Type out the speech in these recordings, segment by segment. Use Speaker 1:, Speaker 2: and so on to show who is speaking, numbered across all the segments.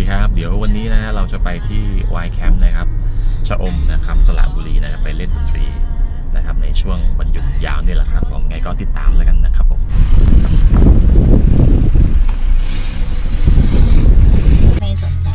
Speaker 1: ครับเดี๋ยววันนี้นะฮะเราจะไปที่วายแคมป์นะครับชะอมนะครับสระบุรีนะครับไปเล่นดนตรีนะครับในช่วงวันหยุดยาวนี่แหละครับผมไงก็ติดตามแล้วกันนะครับผม
Speaker 2: ไม่สนใจ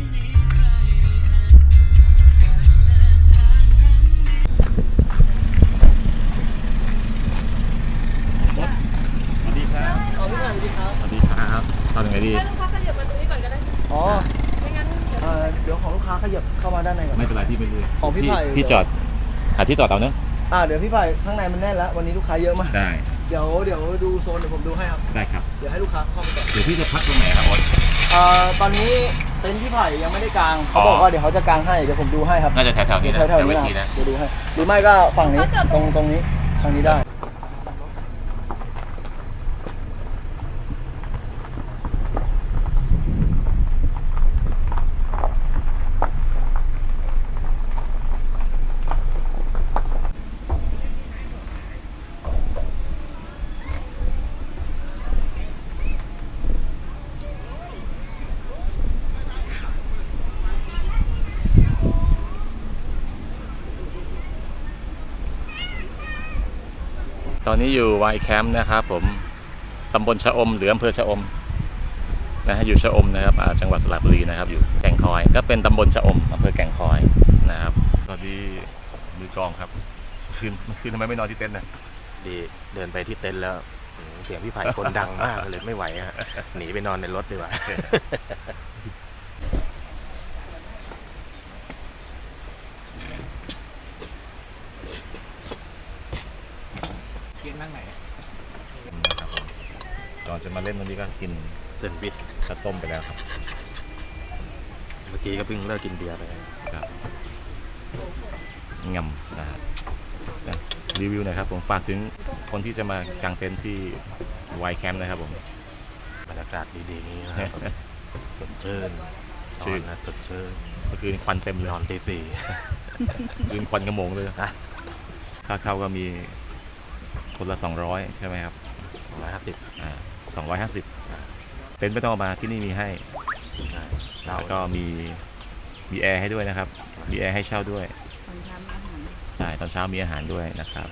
Speaker 1: สวัสดีครับ
Speaker 3: เอาพี่ผ่านสวัสดีครับ
Speaker 1: สวัสดีครับทำยังไงดี
Speaker 4: ให้ลูกค้าขยับมาตรงนี้ก่อนก็ได้
Speaker 3: อ๋อ
Speaker 4: ไม่งั้นเดี๋ยว
Speaker 3: เดี๋ยวของลูกค้าขยับเข้ามาด้านในก่อน
Speaker 1: ไม่เป็นไรที่ไม่รู้
Speaker 3: ของพี่ไผ่
Speaker 1: พี่จอดหาที่จอดเอาเนอะ
Speaker 3: เดี๋ยวพี่ไผ่ข้างในมันแน่นแล้ววันนี้ลูกค้าเยอะมาก
Speaker 1: ได้
Speaker 3: เดี๋ยวดูโซนเดี๋ยวผมดูให้ครับ
Speaker 1: ได้ครับ
Speaker 3: เดี๋ยวให้ลูกค้าเข้ามาก่อน
Speaker 1: เดี๋ยวพี่จะพักตรงไหนครับโอ๊ต
Speaker 3: ตอนนี้เต็นท์พี่ไผ่ยังไม่ได้กางเขาบอกว่าเดี๋ยวเขาจะกางให้เดี๋ยวผมดูให้ครับ
Speaker 1: น่าจะแถวๆนี้นะ
Speaker 3: แถวๆ
Speaker 1: เว
Speaker 3: นี้
Speaker 1: ที
Speaker 3: นะ
Speaker 1: นะ
Speaker 3: เดี๋ยวดูให้หรือไม่ก็ฝั่งนี้ตรงนี้ทางนี้ได้
Speaker 1: ตอนนี้อยู่วายแคมป์นะครับผมตำบลชะอมหรืออำเภอชะอมนะฮะอยู่ชะอมนะครับจังหวัดสระบุรีนะครับอยู่แก่งคอยก็เป็นตำบลชะอมอำเภอแก่งคอยนะครับสวัสดีมือกลองครับคืนทำไมไม่นอนที่เต็นท์นะ
Speaker 5: ดีเดินไปที่เต็นท์แล้วเสียงพี่ไผ่คนดังมากเลยไม่ไหวฮะหนีไปนอนในรถดีกว่า
Speaker 1: นะครับก่อนจะมาเล่นวันนี้ก็กิน
Speaker 5: เซนด์วิช
Speaker 1: ข้าวต้มไปแล้วครับ
Speaker 5: เมื่อกี้ก็เพิ่งเลิกกินเบียร์ไป
Speaker 1: ครับงำนะฮะนะรีวิวหนะครับผมฝากถึงคนที่จะมากางเต็นท์ที่วายแคมป์นะครับผม
Speaker 5: บรรยากาศดีๆนี้นะครับสดชื่น
Speaker 1: ชื่น
Speaker 5: นอนนะสดชื่น
Speaker 1: เมื่อคืนควันเต็มเลย
Speaker 5: นอนตีสี่
Speaker 1: คืนควันกระโมงเลย
Speaker 5: นะ
Speaker 1: ค่าเข้าก็มีคนละ200ใช่ไหมครับ
Speaker 5: 150
Speaker 1: 250เต็นท์ไม่ต้องเอามาที่นี่มีให้
Speaker 5: เรา
Speaker 1: แล้วก็มีแอร์ให้ด้วยนะครับมีแอร์ให้เช่าด้วยใช่ตอนเช้ามีอาหารด้วยนะครับ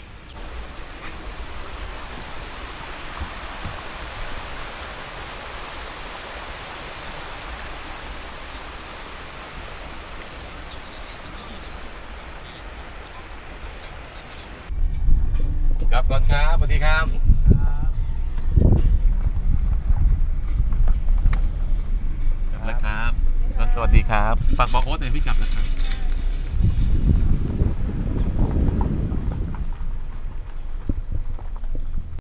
Speaker 1: ครับก่อนครับสวัสดีครับนะครับสวัสดีครับฝากบอกโอ๊ตหน่อยพี่กลับนะครับ